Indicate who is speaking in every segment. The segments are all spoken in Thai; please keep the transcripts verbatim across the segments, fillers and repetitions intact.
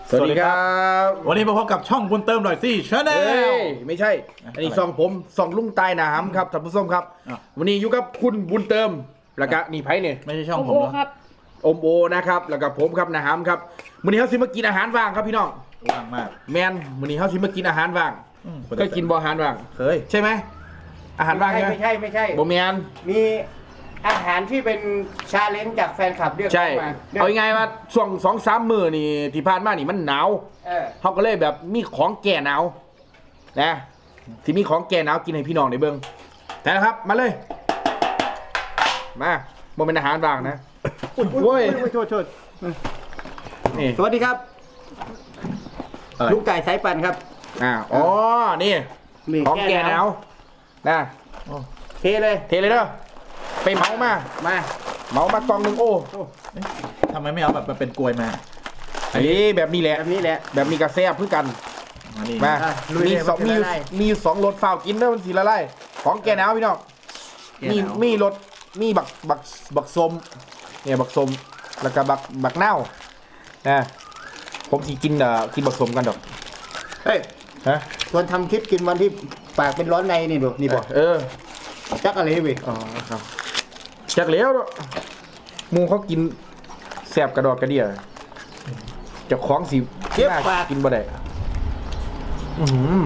Speaker 1: สวัสดีครับ
Speaker 2: วันนี้มาพบกับช่องบุญเติมหน่อยสิชาแน
Speaker 1: เอ้
Speaker 2: ล
Speaker 1: ยไม่ใช่ อันนี้ซองผมซองลุงตายหนามครับท่านผู้ชมครับ
Speaker 2: อ่ะ
Speaker 1: วันนี้อยู่กับคุณบุญเติมแล้วก็นี่ไพ่เนี่ย
Speaker 2: ไม่ใช่ช่องผม
Speaker 3: โอ้
Speaker 2: เหรอ
Speaker 3: ครับ
Speaker 1: อมโอนะครับแล้วก็ผมครับหนามครับวันนี้เขาสิมากินอาหารว่างครับพี่น้อง
Speaker 2: ว่างมาก
Speaker 1: แมนวันนี้เขาสิมากินอาหารว่าง
Speaker 2: อืม
Speaker 1: เคยกินบ่อาหารว่าง
Speaker 2: เคย
Speaker 1: ใช่ไหมอาหารว่างใช่ไหม
Speaker 4: ไม่ใช่ไม่ใช่
Speaker 1: บ่แมน
Speaker 4: มีอาหารที่เป็นชาเลนจ์จากแฟนคลับเรียก
Speaker 1: ใช่
Speaker 4: เข้ามา
Speaker 1: เอายังไงว่าช่วงสองสามมื้อนี่ที่ผ่านมานี่มันหนาว
Speaker 4: เออ
Speaker 1: เขาก็เลยแบบมีของแก่หนาวนะที่มีของแก่หนาวกินให้พี่น้องในเบิ้งแต่นะครับมาเลย มาบ่เป็นอาหารว่างนะโว้ย
Speaker 4: โทษโทษ
Speaker 1: นี่
Speaker 4: สวัสดีครับ
Speaker 1: อะไร
Speaker 4: ลุงไก่สายปั่นครับ
Speaker 1: อ่าอ๋อนี่
Speaker 4: นี่
Speaker 1: ของแก่หนาวนะ
Speaker 4: เทเลย
Speaker 1: เทเลยเด้อไปเหมามา
Speaker 4: มา
Speaker 1: เหมามากล่องหนึ่งโอ้
Speaker 2: ทำไมไม่เอาแบบมาเป็นกลวยมา
Speaker 1: อันนี้แบบนี้แหละ
Speaker 4: แบบนี้แหละ
Speaker 1: แบบมีกระแซบเพื่อกัน
Speaker 2: มานี่
Speaker 1: มา
Speaker 4: อ่ะลุย
Speaker 1: มี
Speaker 4: เลย
Speaker 1: สอง
Speaker 4: มัน
Speaker 1: มี
Speaker 4: จะละลาย
Speaker 1: มีสองรสฝ้าวกินเด้อมันสีละลายของแก่หนาวพี่น้อง มีมีรสมีบักบักบักสมเนี่ยบักสมแล้วก็บักบักเน่านะผมสิกินเอ่อกินบักสมกันดอก
Speaker 4: เฮ้ย
Speaker 1: ฮะ
Speaker 4: ตอนทำคลิปกินวันที่ปากเป็นร้อนในนี่ดูนี่บอก
Speaker 1: เออ
Speaker 4: จักอะไรเว้ย
Speaker 1: อ๋อครับจากแล้วเนอะหมูเขากินแสบกระดอกกระเดี่ยเจะคล้าของสิ
Speaker 4: เก็บปาก
Speaker 1: กินบ่ได้อือหือ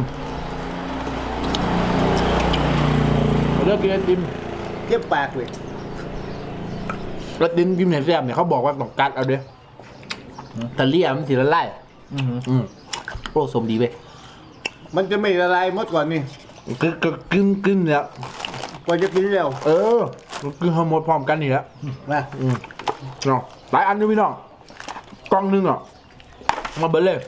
Speaker 1: เลือกกินไอติม
Speaker 4: เก็บปากเว้ย
Speaker 1: ไอติมกินเห็นแสบเนี่ยเขาบอกว่าต้องกัดเอาเด้อแต่เลี่ยมันสิละลาย
Speaker 2: อือหือ
Speaker 1: อืมโอ้สมดีเว้ย
Speaker 4: มันจะไม่ละลายหมดก่อนนี่
Speaker 1: กึกกึกกึ้งกึ้งเนี่ย
Speaker 4: กว่าจะกินเร็ว
Speaker 1: เออกินทั้งหมดพร้อมกันนี่แหละ
Speaker 4: มา
Speaker 1: อืมเนาะหลายอันด้วยพี่น้องกล่องหนึงอ่ะมาเบิดเลย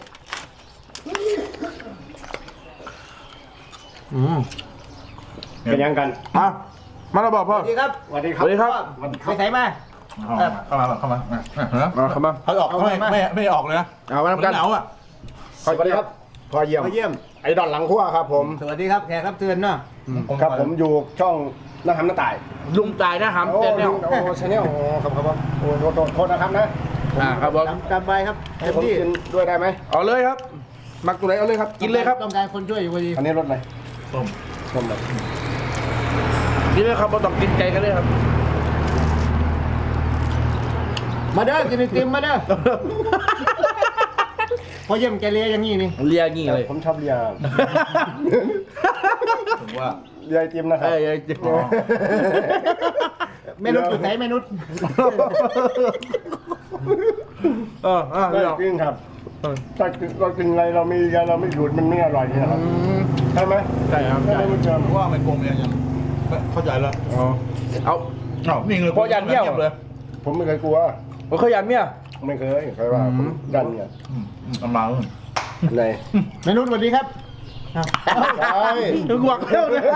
Speaker 1: อืม
Speaker 4: เป็นยังกัน
Speaker 1: มามาแล้วบอกพ่อ
Speaker 4: สวัสดีครับสวัสดีครับ
Speaker 1: สวัสดีครับ
Speaker 4: ไปใส่มา
Speaker 2: เข้ามาเข้ามาเข้ามา
Speaker 1: มาเข้ามา
Speaker 2: เขาออกไม่ไม่ไม่ออกเลยนะ
Speaker 1: เอามาทำกัน
Speaker 2: หนาวอ่ะ
Speaker 5: สวัสดีครับ
Speaker 1: พอเยี่ยม
Speaker 4: มาเยี่ยม
Speaker 5: ไอ้ดอนหลังขั้วครับผม
Speaker 4: สวัสดีครับแขกรับเชิญเนาะ
Speaker 5: ครับผมอยู่ช่องน้าทำน้าตาย
Speaker 1: ลุงตายนะหำ
Speaker 5: โอ้
Speaker 1: เต้นเนี่ย
Speaker 5: โอ้ชาแนลโอ้ครับครับผมโอ้โทษโทษโทษนะครับนะ
Speaker 1: อ่าครับผม
Speaker 4: ตามตามไปครับ
Speaker 5: ให้
Speaker 4: เต็ม
Speaker 5: ผม
Speaker 4: ที่
Speaker 5: กินด้วยได้ไหม
Speaker 1: เอาเลยครับมักตัวไหนเอาเลยครับกินเลยครับ
Speaker 4: ต้องการคนช่วยอยู่พอดี
Speaker 5: อันนี้รสอะไร
Speaker 2: ส้ม
Speaker 5: ส้มแบบ
Speaker 1: กินเลยครับเราต้องกินใจกันเลยครับ
Speaker 4: มาเด้อกินไอติมมาเด้อพอเยี่ยมแกเลียอย่างนี้นี่
Speaker 1: เลียงี้เลย
Speaker 5: ผมชอบเลีย
Speaker 2: ถึงว่า
Speaker 5: เลียไอติมนะครั
Speaker 1: เอ้
Speaker 5: บ
Speaker 1: ยเอ้ย
Speaker 2: อ๋อ
Speaker 4: เมนุษย์อยู่ไหนเมนุษย์
Speaker 1: เออเออ
Speaker 5: ได้
Speaker 1: เดี๋ยว
Speaker 5: จริงครับถ้าเรากินอะไรเราไม่เราไม่หยุดมันไม่อร่อยนี่นะครับ
Speaker 1: อืม
Speaker 5: ใช่ไหม
Speaker 1: ใช่ครับ
Speaker 5: ใช่
Speaker 1: ใช่
Speaker 5: ไหมคุณเจิม
Speaker 2: ว่ามันโกงยังยังเข้าใจแล้ว
Speaker 1: อ๋อเอา
Speaker 2: อ้าวนี่เลย
Speaker 1: พอยันเยี่ยว
Speaker 2: เลย
Speaker 5: ผมไม่เคยกลัว
Speaker 1: เอาเขายันเมีย
Speaker 5: ไม่เคยเคยว่าผมดันเนี่ย
Speaker 2: อืมอืมกำลัง
Speaker 5: ใน
Speaker 4: เมนุษย์สวัสดีครับ
Speaker 5: ใช่
Speaker 1: ถึงหวักเที่ยวเลย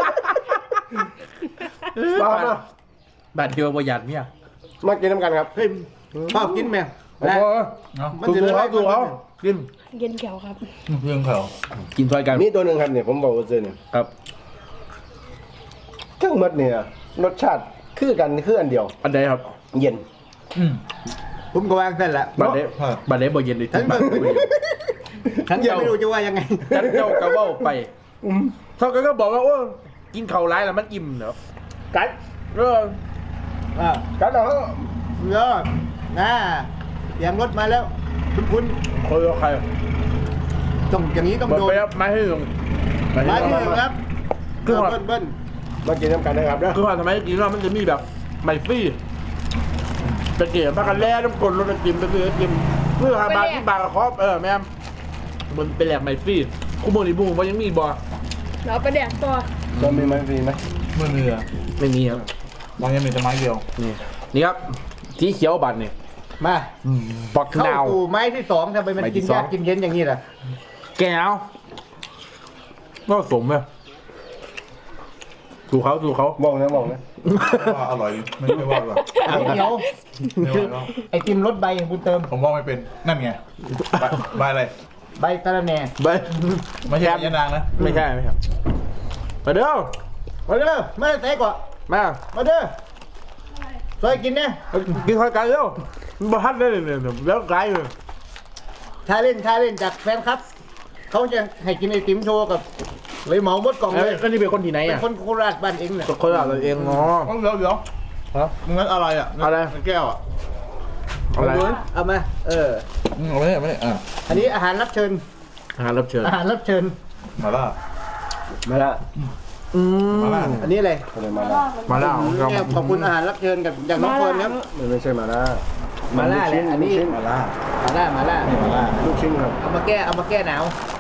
Speaker 5: บ้านะ
Speaker 1: บาดเดียวประหยัดเมีย
Speaker 5: มากินน้ำกันครับ
Speaker 4: เฮ้ยชอบกินไหม
Speaker 1: โอ้โห
Speaker 2: เนาะ
Speaker 4: มัน
Speaker 1: ดู
Speaker 4: จะ
Speaker 1: ดู
Speaker 4: ละลา
Speaker 1: เขา
Speaker 4: ย
Speaker 1: ดูเขากิน
Speaker 3: เย็นแก้วครับ
Speaker 2: เรื่องเขา
Speaker 1: กินซอยกัน
Speaker 5: นี่ตัวหนึ่งครับเนี่ยผมบอกว่าเจอเนี่ย
Speaker 1: ครับ
Speaker 5: เครื่องหมดเนี่ยรสชาติคือกันคืออันเดียว
Speaker 1: อันใดครับ
Speaker 5: เย็น
Speaker 2: อืม
Speaker 4: ผมก็วางเส้นละ
Speaker 1: บัดเด
Speaker 2: ครับ
Speaker 1: บัดเดบ่เย็นเลย
Speaker 4: ฉัน
Speaker 1: บัด
Speaker 4: ก็ฉันยังไม่รู้จะว่ายังไง
Speaker 1: จันเจ้ากระเบ้าไปเท่ากันก็บอกว่าโอ้กินเข่าวร้ายแล้วมันอิ่มเนาะ
Speaker 5: กัด
Speaker 1: เออ
Speaker 4: อ่า
Speaker 5: กัดเหรอ
Speaker 4: เยอะนะเสียงรถมาแล้วคุณคุณ
Speaker 1: คอยเอาใคร
Speaker 4: ต้องอย่างนี้ต้อง
Speaker 1: เบิด
Speaker 4: โดน
Speaker 1: ไปครับมาให้ลง
Speaker 4: มาที่หนึ่งครับ
Speaker 1: คือว่า
Speaker 4: เบิ้ลเบิ้ล
Speaker 5: มากินน้ำกันนะครับนะ
Speaker 1: คือว่าทำไมกินแล้วมันจะมีแบบไมฟรี่ตะเกียบมากันแล้วน้ำกลนรถไอติมไปซื้อไอติมเพื่อหาบาทที่บาทกับครอบเออแม่มมันเป็นแหลกไมฟรี่คู่โมนี่บูมันยังมีบ่
Speaker 3: เราไปแดกตัว
Speaker 5: จะมีไหมฟรีไหม
Speaker 2: ไม่มีอ่ะ
Speaker 1: ไม่มีครับ
Speaker 2: บางยังมีแต่ไม้เดียว
Speaker 1: นี่นี่ครับสีเขียวบัตรนี่
Speaker 4: มา
Speaker 1: ปัก
Speaker 4: เข้า
Speaker 1: ดาว
Speaker 4: สู่ไม้ที่สองทำไมมัน
Speaker 1: ไม้ที่
Speaker 4: กิน
Speaker 1: สอง
Speaker 4: ยากกินเย็นอย่างนี้ล่ะ
Speaker 1: แก้วก็สมเลยดูเขาดูเขา
Speaker 5: มองนะมองนะ
Speaker 2: ว่าอร่อยไม่ไม่ว่าหรอก
Speaker 4: ไอ้เดียว
Speaker 2: ไม่ว่าหรอก
Speaker 4: ไอติมรสใบบุญเติม
Speaker 2: ผมว่าไม่เป็นนั่นไงใบใบอะไร
Speaker 4: ใบตะระแหน่
Speaker 1: ไป
Speaker 2: ไม่ใช่ยานางนะ
Speaker 1: ไม่ใช่ไม่ใช่มาเด้อ
Speaker 4: มาเด้อมาใส่ก่อน
Speaker 1: มา
Speaker 4: มาเด้อซอยกินเนี่ย
Speaker 1: กินข้าวกันเร็วมันบ้าเลยเนี่ยแล้วไกลเลย
Speaker 4: ท้าเล่นท้าเล่นจากแฟนครับเขาจะให้กินไอติมโชว์กับเลยเหมาหมดกล่อง
Speaker 1: เอ้
Speaker 4: เลย ย
Speaker 1: ก็นี่เป็นคนที่ไหน
Speaker 4: เป็น
Speaker 1: อ่ะ
Speaker 4: คนโคราชบ้านเองเนี่ย
Speaker 1: คนละเราเองเนาะ
Speaker 2: เดี๋ยวเดี๋ยว
Speaker 1: ฮะ
Speaker 2: งั้นอะไรอ่ะ
Speaker 1: อะไร
Speaker 2: แก้วอ่ะ
Speaker 1: อะไร
Speaker 4: เอามาเออ
Speaker 2: อืมเอาไม่ได้ไม่ได้อ่ะ
Speaker 4: อันนี้อาหารรับเชิญ
Speaker 1: อาหารรับเชิญ
Speaker 4: อาหารรับเชิญ
Speaker 2: มาล่า
Speaker 4: มาละ
Speaker 1: อืม
Speaker 2: มาล่า
Speaker 4: อันนี้อะไร
Speaker 5: อะไรมาล่า
Speaker 1: มาแล้วครับ
Speaker 4: เนี่ยขอบคุณอาหารรับเชิญกับจากน้องเฟิร์นครับ
Speaker 5: มันไม่ใช่มาล่า
Speaker 4: มาล่าแหละอันนี้
Speaker 2: มาล่า
Speaker 4: มาล่ามาล่า
Speaker 2: นี่มาล่า
Speaker 5: ลูกชิ้นครับ
Speaker 4: เอามาแก้เอามาแก้หนาว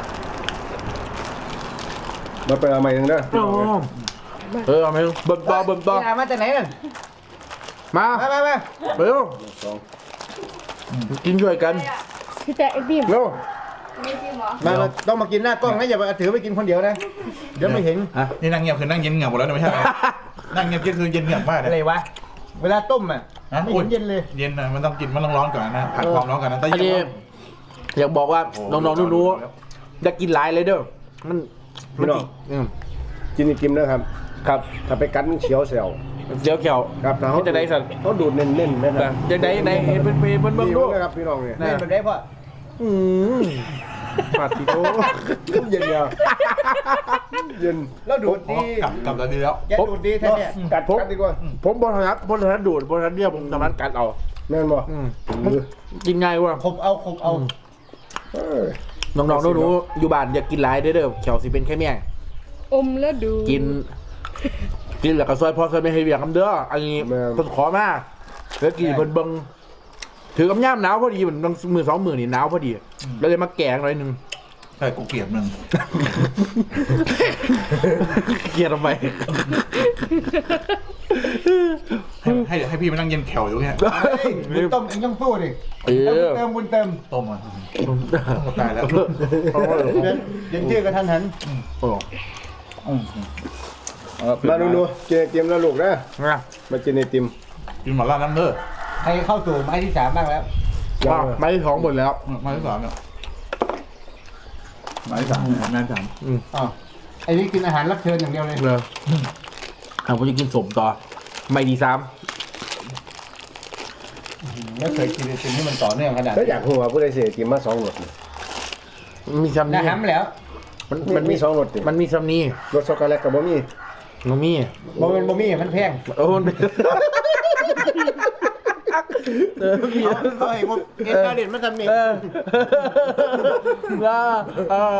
Speaker 5: มาไปเอาใหม่ยังได้
Speaker 1: อ๋อเออเอาไหมเบิ่มต่อเบิ่มต่อ
Speaker 4: นี่อามาจากไหนนั่น
Speaker 1: มา
Speaker 4: มามามา
Speaker 1: เร็ว
Speaker 5: สอง
Speaker 1: กินด้วยกัน
Speaker 3: พี่แจ๊คไอติม
Speaker 1: เร็ว
Speaker 3: ไม่จริงเหรอ
Speaker 4: มามาต้องมากินหน้ากล้องนะอย่าไปถือไปกินคนเดียวนะเดี๋ยวไม่เห็น
Speaker 1: ฮะ
Speaker 2: นี่นั่งเงียบคือนั่งเย็นเงียบหมดแล้วนะไม่ใช่เหรอนั่งเงียบก็คือเย็นเงียบมาก
Speaker 4: อะไร
Speaker 2: เลยว
Speaker 4: ะเวลาต้มอ่ะ
Speaker 2: ฮะ
Speaker 4: ไม่เห็นเย็นเลย
Speaker 2: เย็นนะมันต้องกินมันต้องร้อนก่อนนะผัดความร้อนก่อนนะแต่
Speaker 1: อัน
Speaker 2: เย็
Speaker 1: นี้
Speaker 2: น
Speaker 1: อยากบอกว่า
Speaker 2: โอ้
Speaker 1: น้องๆรู้ๆอยากกินหลายเลยเด้อมันมันสิอืม
Speaker 5: กินอีกกิมนะครับ
Speaker 1: ครับ
Speaker 5: ถ้าไปกัดมันเขียวเสียว
Speaker 1: เดี๋ยวเกี่ยว
Speaker 5: ครับแต่เขา
Speaker 1: จะได้สัตว์
Speaker 5: เขาดูดเน้นๆไหมค
Speaker 1: แต่
Speaker 5: รับ
Speaker 1: จะได้ได้เห็นเป็นเป็นเป็นเบิ่ง
Speaker 5: ดี
Speaker 1: ดู
Speaker 5: นะครับพี่น้องเนี่ย
Speaker 1: นะ
Speaker 4: เล่นแบบได้พ่อ
Speaker 1: อืมปาติโต
Speaker 5: เย็นเดียวเย็น
Speaker 4: แล้วดูด
Speaker 2: อ๋อ
Speaker 4: ดี
Speaker 2: กลับกลับแล้วดีแล้ว
Speaker 4: แกดูดดีแท้เนี่ย
Speaker 5: กัดกัดดีกว่า
Speaker 1: ผมบอลทัดบอลทัดดูดบอลทัดเดียวผมสามารถกัดเอา
Speaker 5: แม่นบ่
Speaker 1: อืม
Speaker 5: เออ
Speaker 1: กินง่ายกว่า
Speaker 4: ขบเอาขบเอา
Speaker 5: เออ
Speaker 1: น้องๆรู้ๆอยู่บ้านอย่ากินหลายเด้อเด้อเขียวสิเป็นแค่แม่ง
Speaker 3: อมแล้วดู
Speaker 1: กิน กินแล้วก็ซอยพอซอยไม่ให้เบียงคำเด้ออันนี้ต้นขอมากแล้วกินเบิ่งเบิ่งถือกำย่ามหนาวพอดีเหมือนมือสองมือนี่หนาวพอดีแล้วเลยมาแกงหน่อยหนึง
Speaker 2: ใช่กูเกลียดมึง
Speaker 1: เกลียดทำไม
Speaker 2: ให้ให้ให้พี่มานั่งเย็นแขวอยู่เนี่ย
Speaker 4: เฮ้ยบุญต้มเองต้องสู้ดิ
Speaker 1: เออ
Speaker 4: เติมบุญเติม
Speaker 2: ต้มอ่ะต้องตายแล้ว
Speaker 4: เดี๋ยวเดี๋ยวชื่อกระทันหัน
Speaker 1: โอ้
Speaker 2: อืม
Speaker 5: มาดูดูกินไอติมแล้วลูกนะ
Speaker 1: นะ
Speaker 5: มากินไอติม
Speaker 2: กินหมาล่าน้ำเด้อ
Speaker 4: ใครเข้าสู่ไม้ที่สามบ้างแล้ว
Speaker 1: ว่าไม่ได้ท้องหมดแล้ว
Speaker 2: มาที่สามเนี่ยมาที่สามแม่ที่สาม
Speaker 4: อ๋อไอ้นี่กินอาหารรับเชิญอย่างเดียวเลย
Speaker 1: เลยอ่ะผมจะกินสมต่อ ไม่ดีซ้
Speaker 4: ไม่เคยกินไอติมที่มันต่อเนื่องขนาด
Speaker 5: ถ้าอยากหัวผู้ใดเสียไอติมมาสองรส
Speaker 1: ำมีซ้ำ
Speaker 4: นะ
Speaker 1: นี่
Speaker 4: ฮัมแล้ว
Speaker 1: มัน
Speaker 5: มั
Speaker 1: มัน น
Speaker 5: มี
Speaker 1: มี
Speaker 5: สองรสดิ
Speaker 1: มันมีซ้ำนี่
Speaker 5: รสช็อกโกแลตกับบ่มี
Speaker 1: มันมี
Speaker 4: บะเป็นบะหมี่มันแพง
Speaker 1: โอ้มันเป็นเออมี
Speaker 4: เขาให้พวกเอ็นการเด่นมาทำนี่
Speaker 1: เอออ่าอ่า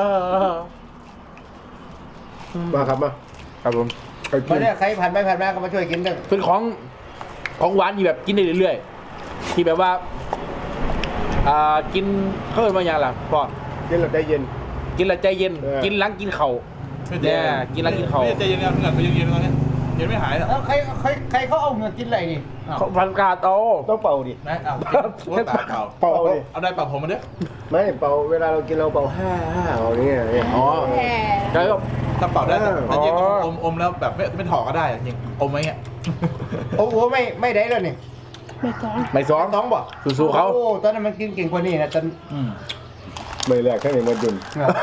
Speaker 5: มาครับมา
Speaker 1: ครับผม
Speaker 5: ไปกิ
Speaker 4: มาน เนี่ยใครผ่านไปผ่านมาก็มาช่วยกินด้วย
Speaker 1: เป็นของของหวานที่แบบกินได้เรื่อยๆที่แบบว่าอ่ากินเขาเรียกว่าอย่างไรพ่อ
Speaker 5: กินแล้วใจเย็น
Speaker 1: กินแล้วใจเย็น
Speaker 5: เออ
Speaker 1: กินหล้างกินเข่าวเนี่ยกินหล้างกินเข่าว
Speaker 2: ไม่ใจเย็นๆเหงื่อเขายังเย็นตอนนี้เย็นไม่หายหรอ
Speaker 4: แล้วใครใครใครเขาเอาเงินกินอะไรนี่
Speaker 1: เขาพันกาดเอา
Speaker 5: ต้องเป่าดิ
Speaker 2: ไม่เอาหัวตาเก่า
Speaker 5: เป่าเอาดิ
Speaker 2: เอาได้เป่าผมมาเด้อ
Speaker 5: ไม่เป่าเวลาเรากินเราเป่าห้าห้าเอาอย่างเงี้ย
Speaker 1: อ๋อ
Speaker 3: แหม
Speaker 1: ใช่ก็
Speaker 2: ถ้าเป่าได้แต่แต่เย็น
Speaker 1: อ๋อ
Speaker 2: อมอมแล้วแบบไม่ไม่ถอดก็ได้จริงอมไว้เงี้ย
Speaker 4: โอ้โหไม่ไม่ได้เลยนี่
Speaker 3: ไม่สอง
Speaker 1: ไม่ซ้อม
Speaker 4: ต้องบ่
Speaker 1: สู้ๆเขา
Speaker 4: โอ้ตอนนั้นมันกินเก่งกว่านี่นะตอน
Speaker 2: อืม
Speaker 5: ไม่แรกแค่ไหนมาดุน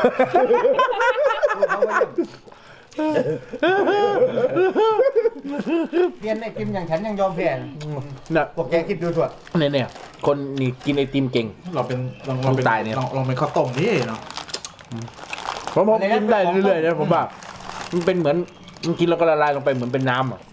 Speaker 4: เรียนไอติมอย่างฉันยังยอมแพ้
Speaker 1: น่ะ
Speaker 4: พวกแกคิดดูถั่ว
Speaker 1: เนี่ยเนี่ยคนนี่กินไอติมเก่ง
Speaker 2: เราเป็นลองลองเป็น
Speaker 1: ตายเนี่ย
Speaker 2: ลองลองเป็นข้าวต้มนี่เนาะ
Speaker 1: ผมผมกินได้เรื่อยๆนะผมว่ามันเป็นเหมือนมันกินแล้วก็ละลายลงไปเหมือนเป็นน้ำอ่ะ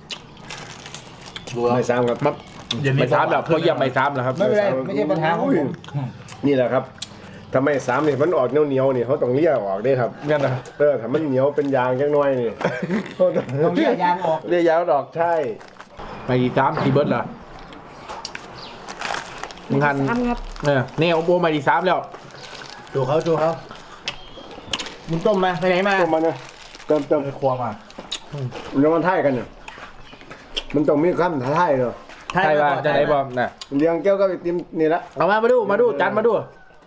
Speaker 2: ดูแล้ว
Speaker 5: ไม่ซ้ำครับ
Speaker 1: มัน
Speaker 2: เย็นนี้
Speaker 1: ไม่ซ้ำแบบพวกยำไม่ซ้ำแล้วครับ
Speaker 4: ไม่เป็นไรไม่ใช่ปัญหาของผม
Speaker 5: นี่แหละครับทำไมสามเนี่ยมันออกเหนียวๆนี่เขาต้องเลี่ยออกได้ครับ
Speaker 1: เนี่ยนะ
Speaker 5: เออถ้ามันเหนียวเป็นยางจังน้อยนี่
Speaker 4: ต้องเรียกยางออก
Speaker 1: เรียกยาวดอก
Speaker 5: ใช่
Speaker 1: ไม่ดีซ้ำทีเบิร์ดเหรอมึงหัน
Speaker 3: สามครับ
Speaker 1: เนี่ยเนี่ยโอโบไม่ดีซ้ำแล้ว
Speaker 4: ดูเขาดูเขามึงต้มมาไปไหนมา
Speaker 5: ต้มมันนะเติมเติม
Speaker 2: ไปครัวมา
Speaker 5: มันจะมันท่ายกันเนี่ยมันต้องมีคำท้าทายเนาะ
Speaker 1: ใช่ป่ะจะได้บอมน่ะ
Speaker 5: เลี้ยงแก้วก็ไอติมนี่ละ
Speaker 1: เอามามาดูมาดูจานมาดู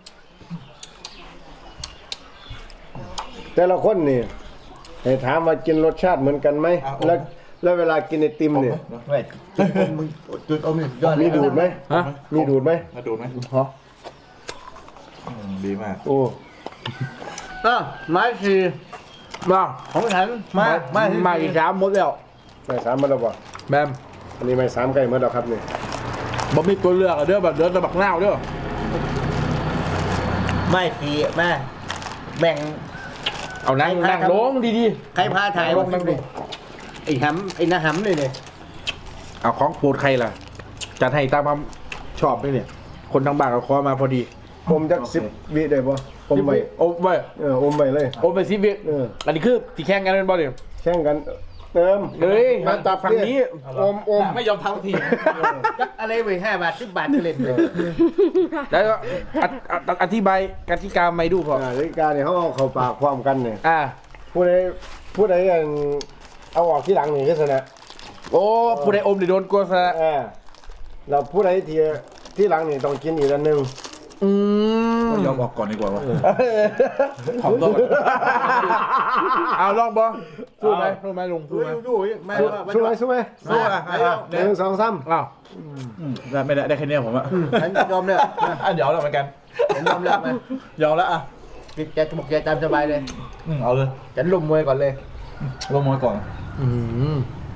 Speaker 5: แต่ละคนนี่ให้ถามว่ากินรสชาติเหมือนกันไหมแล้วแล้วเวลากินไอติมเนี่ย
Speaker 4: เว้ยจุดอมมึงจุดอมนี่ยอดเลย
Speaker 5: มีดูดไหม
Speaker 1: ฮะ
Speaker 5: มีดูดไหม
Speaker 2: มาดูไหม
Speaker 1: ฮะ
Speaker 2: อืมดีมาก
Speaker 5: โอ้
Speaker 4: อ่ะไม้สี่
Speaker 1: มา
Speaker 4: ของฉันมามา
Speaker 1: มาดีซ้ำหมดแล้ว
Speaker 5: ไม่สามมาแล้วบ่
Speaker 1: แบม
Speaker 5: อันนี้ไม่สามไก่เมื่อแล้วครับนี่
Speaker 1: บ่มีตัวเลือกอะเด้อแบบเดือดตะบักหน้าวเด้อ
Speaker 4: ไม่ตีมาแบ่ง
Speaker 1: เอานั่ง
Speaker 4: ใครพา
Speaker 1: นั่ง
Speaker 4: ทำ
Speaker 1: ลงดี
Speaker 4: ใครพาถ่าย
Speaker 1: ล
Speaker 4: วะ
Speaker 1: งนั่งลง
Speaker 4: ไอ้หำไอ้หน้าหำเลยเนี่ย
Speaker 1: ๆเอาของโปรดใครล่ะจัดให้ตามความชอบด้วยเนี่ย คนทางบ้านเขาขอมาพอดี
Speaker 5: ผมจักสิบวิได้บ่ผมไป
Speaker 1: โอ้ไม่
Speaker 5: เอออมไปเลย
Speaker 1: โอ้ไปซิบิ
Speaker 5: เออ
Speaker 1: อันนี้คือตีแข่งกันเป็นบอลเดียว
Speaker 5: แข่งกันเติม
Speaker 1: เฮ้ย
Speaker 5: มาจับ
Speaker 1: ฝั่งนี้
Speaker 5: อมอม
Speaker 2: ไม่ยอมทำที
Speaker 4: จักอะไรไปห้าบาทสิบบาทก็เล่นเลย
Speaker 1: แล้วก็ออออธิบายกติกาไม่ดูพอ
Speaker 5: อ่านาฬิกาเนี่ยเขาเอาเข้าปากพร้อมกันเนี่ย
Speaker 1: อ่า
Speaker 5: ผู้ใดผู้ใดอันเอาออกที่หลังนี่ก็ชนะ
Speaker 1: โอ้ผู้ใดอมหรือโดนกลัวซะ
Speaker 5: เออเราผู้ใดที่ที่หลังนี่ต้องกินอีกอันหนึง
Speaker 1: อืม
Speaker 2: ยอมออกก่อนดีกว่าวะ
Speaker 1: ขอบตัวเอาลองบอสู้ไหมสู้ไหมลุงสู้ไหม
Speaker 4: ดูๆไม่
Speaker 5: สู้
Speaker 4: ว่า
Speaker 5: สู้ไหมสู้ไหม
Speaker 2: สู้อ่ะ
Speaker 5: หนึ่งสองสาม
Speaker 1: อ้าว
Speaker 2: ได้ไม่ได้ได้แค่เนี้ยผมอะ
Speaker 4: ฉันยอมเลย
Speaker 2: อ่ะเดี๋ยวเราเหมือนกัน
Speaker 4: ฉันยอมเลยมาย
Speaker 2: อมแล้วอ่ะ
Speaker 4: ปิดแกบอกแกตามสบายเลย
Speaker 2: อืมเอาเลย
Speaker 4: ฉันลุมมวยก่อนเลย
Speaker 2: ลงมวยก่อน
Speaker 1: อืม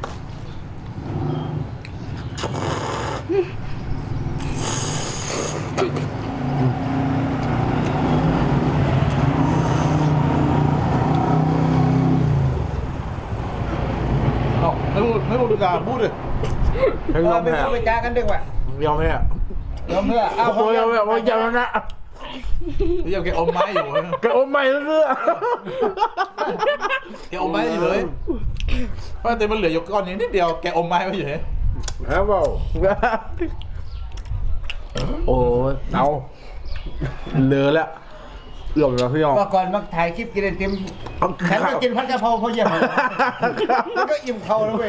Speaker 2: เอ้าไม่พูดไม่พูดดีกว่าพูดเลย
Speaker 1: ให้ยอม
Speaker 4: ไม่
Speaker 1: แพ้
Speaker 4: ต้องไปจ้ากันดีกว่าย
Speaker 1: อมแพ้
Speaker 2: ยอมเพื่ออ้าว
Speaker 1: โอ้ยยอมแพ้โอ้ยยอมนะ
Speaker 2: พี่ยังแกอมไม้อยู่
Speaker 1: กระอมใหม่แล้วเรื่อ
Speaker 2: แกอมไม้อยู่เลยเพราะแต่มันเหลืออยู่ก้อนนี้นิดเดียวแกอมไม้ไว้อยู่เลย
Speaker 5: ฮะเปล่า
Speaker 1: โอ้ยเอาเลอะแล้วเอื้อมแล้วพี่ยอม
Speaker 4: ว่าก่อนมาถ่ายคลิปกินไอติมฉันก็กินผัดกะเพราเพราะเยี่ยมแล้วก็อิ่มเขาแล้วเว้ย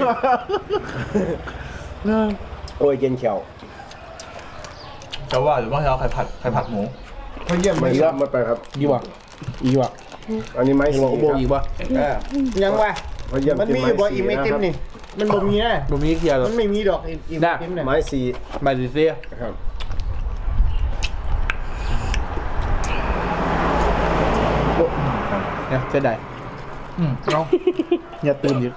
Speaker 5: โอ้ยเย็นเขียว
Speaker 2: จะว่าหรือว่าจะเอาไข่ผัดไข่ผัดหมู
Speaker 4: เพราะเยี่ยม
Speaker 5: ไม่
Speaker 4: ไม่
Speaker 5: รับมาไปครับ
Speaker 1: ดีว่ะอีว่ะ
Speaker 5: อันนี้ไม้
Speaker 1: อี
Speaker 5: สี
Speaker 1: ว่ะโอ้โห
Speaker 5: ครับ
Speaker 1: อีว่ะ
Speaker 4: ยังวะ
Speaker 5: เพราะเยี่ยม
Speaker 4: มันมีอยู่บ่อิ่มไอติมนี่มันบ่มีนะ
Speaker 1: ดูมีเทียร์
Speaker 4: มันไม่มีดอกอิ่มไอติมเนี่ย
Speaker 5: ไม้สี
Speaker 1: มาดิเซีย
Speaker 5: ครับ
Speaker 1: เนี่ยเสียดาย
Speaker 2: อืมเอา
Speaker 1: อย่าตื่นอีก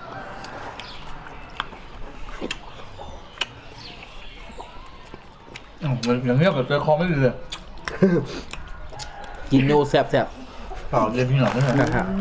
Speaker 2: อืมมันอย่างเงี้ยกับเจอคอไม่ดีเลย
Speaker 1: กินโยแซ่บแซ่บ
Speaker 2: เปล่าเย็นพี่หน่อยไม่ใช่
Speaker 1: นะฮะ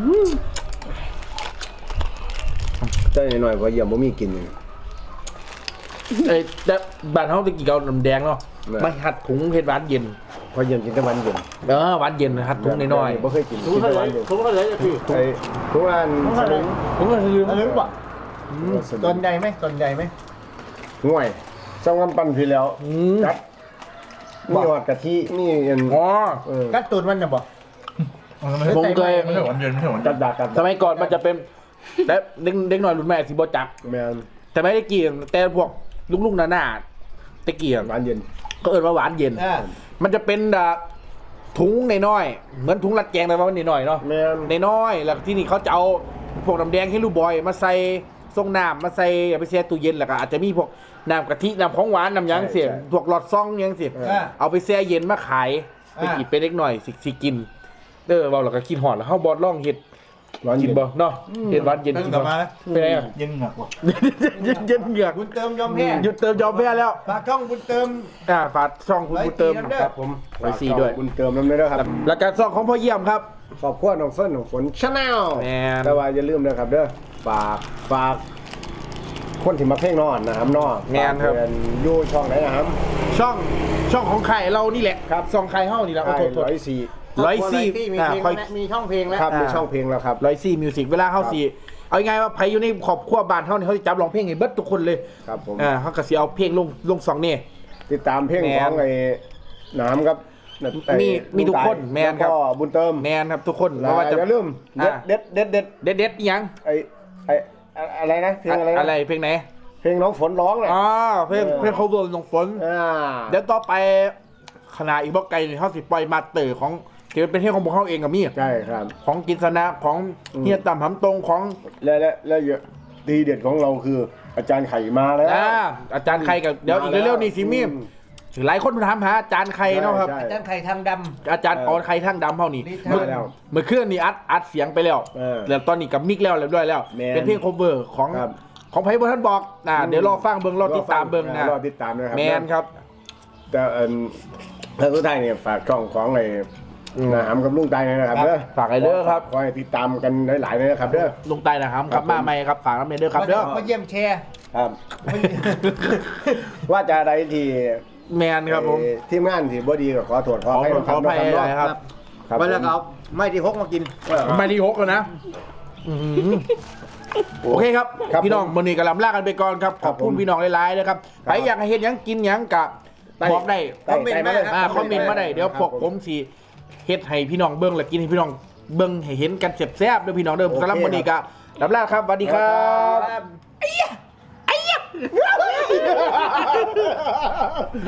Speaker 5: ใจหน่อยๆเพราะเยี่ยมบ่มีกิน
Speaker 1: เอ้ยแต่บ้านเขาตะกี้เขาน้ำแดงเนาะ
Speaker 5: แม่
Speaker 1: มาหัดถุงเห็ดหวานเย็น
Speaker 5: เพราะเยี่ยมกินแต่วันเย็น
Speaker 1: เออหวานเย็นหัดถุงน้อย
Speaker 5: บ่เคยกินกินแต่วันเย็น
Speaker 1: ๆถุงก็เลยพี่
Speaker 5: ไอ้ทุกอันสลึง
Speaker 1: ถุงก็ลืม
Speaker 4: อันนี้ป่ะตอนใหญ่ไหมตอนใหญ่ไหม
Speaker 5: ห่วยสองกำปั้นพี่แล้ว
Speaker 1: อืม
Speaker 5: จัดมีหอดกะทิมีอัน
Speaker 1: อ๋อ
Speaker 5: เออ
Speaker 4: กัดตูดมันน่ะบ่
Speaker 2: มันไม่
Speaker 1: ผมเคย
Speaker 2: ไม่ใช่หวานเย็นไม่ใช่หวาน
Speaker 5: กั
Speaker 2: เย็
Speaker 5: ด
Speaker 2: น
Speaker 5: ดากัด
Speaker 1: สมัยก่อนมันจะเป็นแต่เด็กเด็กหน่อยรุ่นแม่สิบจัก
Speaker 5: แม่น
Speaker 1: แต่ไม่ได้กินแต่พวกลูกๆหน้าๆตะเกียบ
Speaker 5: หวานเย็น
Speaker 1: ก็เอิ้นว่าหวานเย็น
Speaker 4: อ่า
Speaker 1: มันจะเป็นอ่ะถุงน้อยๆเหมือนถุงรัดแกงแต่ว่ามันน้อยๆเนาะ
Speaker 5: แม่น
Speaker 1: น้อยๆแล้วที่นี่เขาจะเอาพวกน้ำแดงให้ลูกบอยมาใส่ทรงน้ำมาใส่เอาไปแช่ตู้เย็นแล้วก็อาจจะมีพวกน้ำกะทิน้ำของหวานน้ำหยังเสียพวกหลอดซ่องหยังเสีย
Speaker 4: อ่า
Speaker 1: เอาไปแช่เย็นมาขายไป
Speaker 4: อ่า
Speaker 1: กินไปเล็กหน่อยสิสิกินเออเราเราก็กินหอดแล้วเฮาบอดล่องเห็ด
Speaker 5: หวาน
Speaker 1: กิ
Speaker 5: เย็
Speaker 1: น
Speaker 5: น
Speaker 1: บ่เนาะเห็ดหวานเย็น
Speaker 2: เพิ่ง
Speaker 1: กิน
Speaker 2: กลับ
Speaker 1: บ่
Speaker 2: มานะ
Speaker 1: ไปไหนอ่ะ
Speaker 2: เย็นเหงือกว่ะ
Speaker 1: เย็นเย็นเหงือก
Speaker 4: บุญเติมยอมแพ้
Speaker 1: หยุดเติมยอมแพ้แล้ว
Speaker 4: ฝากช่องบุญเติม
Speaker 1: อ่าฝากช่องคุณบุญเติม
Speaker 4: ไว้สี่น้ำเด้อ
Speaker 1: ครับผมไว้สี่ด้วย
Speaker 5: บุญเติมน้ำเด้อครับ
Speaker 1: แล้วการซ่องของพ่อเยี่ยมครับ
Speaker 5: ขอบคุณน้องเฟิร์นของฝนชาแนล
Speaker 1: แม่น
Speaker 5: แต่ว่าอย่าลืมนะครับเด้อฝากฝากคนที่มาเพลงนอนนะครับนอน
Speaker 1: แม่นครับ
Speaker 5: ฝากเพื่อนอยู่ช่องไหนนะครับ
Speaker 1: ช่องช่องของไข่เรานี่แหละครับช่องไข่เฮานี่แหละขอ
Speaker 5: ไอ้
Speaker 1: โทษโทษ
Speaker 5: ร้อยสี่
Speaker 1: ร้อยสี่
Speaker 4: มี
Speaker 1: อ่า
Speaker 4: เพลง
Speaker 1: ค่อย
Speaker 4: แล้วมีช่องเพลงแล้ว
Speaker 5: ครับมี
Speaker 1: อ่า
Speaker 5: ช่องเพลงแล้วครับ
Speaker 1: ร้อยสี่มิวสิกเวลาเข้าสี่เอาง่ายๆว่าใครอยู่ในขอบครัวบ้านเท่านี่เขาจะจับร้องเพลงให้เบิดทุกคนเลย
Speaker 5: ครับผม
Speaker 1: อ่าเขาก็สิเอาเพลงลงลงสองนี่
Speaker 5: ติดตามเพลง
Speaker 1: แมน
Speaker 5: ของไอ้หน้ำครับไอ้
Speaker 1: มีมีทุกคน
Speaker 5: ลุง
Speaker 1: แมนครับ
Speaker 5: แล้วก็บุญเติม
Speaker 1: แมนครับทุกคน
Speaker 5: แล้
Speaker 1: ไม่
Speaker 5: ว
Speaker 1: ว่าจะ
Speaker 5: อย่าลืม
Speaker 1: อ่า
Speaker 5: เด็ดเด็ดเด็ดเด็ด
Speaker 1: เด็ดเด็ดๆอิหยัง
Speaker 5: ไอ้ไอ้อะไรนะเพลงอะไรนะ
Speaker 1: อะไรเพลงไหน
Speaker 5: เพลงน้องฝนร้องน่ะ
Speaker 1: อ๋อเพลง
Speaker 5: เออ
Speaker 1: เพลงเขาเวิร์ลงฝน
Speaker 5: อ่า
Speaker 1: เดี๋ยวต่อไปขณะอีกบอกไกลนี่เขาสิปล่อยมาเตอร์ของที่เป็นเพลงของพวกเขาเองกับมี่
Speaker 5: ใช่ครับ
Speaker 1: ของกินสนะของ
Speaker 5: อืม
Speaker 1: เฮียต่ำหำตรงของ
Speaker 5: และและและเยอะดีเด็ดของเราคืออาจารย์ไข่มาแล้ว
Speaker 1: อ่าอาจารย์ใครกับเดี๋ยวอีกเร็วๆนี่สิมี
Speaker 5: อืม
Speaker 1: หลายคนถามหาอาจารย์ใครเนาะครับ
Speaker 5: ใช่
Speaker 4: อาจารย์ไข่ทางด
Speaker 1: อาจารย์ออนใครทั้งดำเท่านี้
Speaker 4: นี่
Speaker 1: เมื่อ
Speaker 5: แล้ว
Speaker 1: เมื่อคืนนี่อัดอัดเสียงไปแล้ว
Speaker 5: เออ
Speaker 1: แล้วตอนนี้กับมิกแล้วเรียบร้อยแล้ว
Speaker 5: แมน
Speaker 1: เป็นเพลง cover ของ
Speaker 5: ครับ
Speaker 1: ของไพ่บท่านบอกอ่า
Speaker 5: อืม
Speaker 1: เดี๋ยวรอฟังเบิ้งรอติดตามเบิ้งนะ
Speaker 5: รอติดตามนะครับ
Speaker 1: แมนครับ
Speaker 5: แต่เอิ่นแล้วสุดท้ายเนี่ยฝากช่องของไอ้นะหำกับลุงไตนะครับเด้อ
Speaker 1: ฝากไอ้เด้อครับ
Speaker 5: คอยติดตามกันหลายๆเลยนะครับเด้อ
Speaker 1: ลุงไตนะครับครับมาใหม่ครับฝากน้ำเนยเด้อครับเด้อ
Speaker 4: มาเยี่ยมแชร์
Speaker 5: ครับ ว่าจะอะไรที่
Speaker 1: แมนครับผม
Speaker 5: เอ่อทีมงานที่บ่ดีก็ขอโทษขอ
Speaker 1: ขอ
Speaker 5: ให้
Speaker 1: ขออภัย
Speaker 5: นะ
Speaker 1: นะครับ
Speaker 5: ครับ
Speaker 4: วันแล้วก็เอาไม่ที่หกมากิน
Speaker 1: ไม่ที่หกแล้วนะอื้อหือโอเคครับ
Speaker 5: ครับ
Speaker 1: พี่น้อง
Speaker 5: ผม
Speaker 1: วันนี้กำลังลากันไปก่อนครับ ขอบคุณ
Speaker 5: ผม
Speaker 1: พี่น้องหลายๆนะครับ
Speaker 5: ครับ
Speaker 1: ใครอยากให้เห็นหยังกินหยังกับ
Speaker 5: ได้
Speaker 1: บอกได้
Speaker 5: ได้ได้มาเลย
Speaker 1: อ่าคอมเมนต์มาได้เดี๋ยว
Speaker 5: ครับ
Speaker 1: พวกผมสิเฮ็ดให้พี่น้องเบิ่งและกินให้พี่น้องเบิ่งให้เห็นกันแซ่บๆเด้อพี่น้องเด้อ
Speaker 5: โอเค
Speaker 1: สำหรับวันนี้ก็ลาลาครับสวัสดีครับ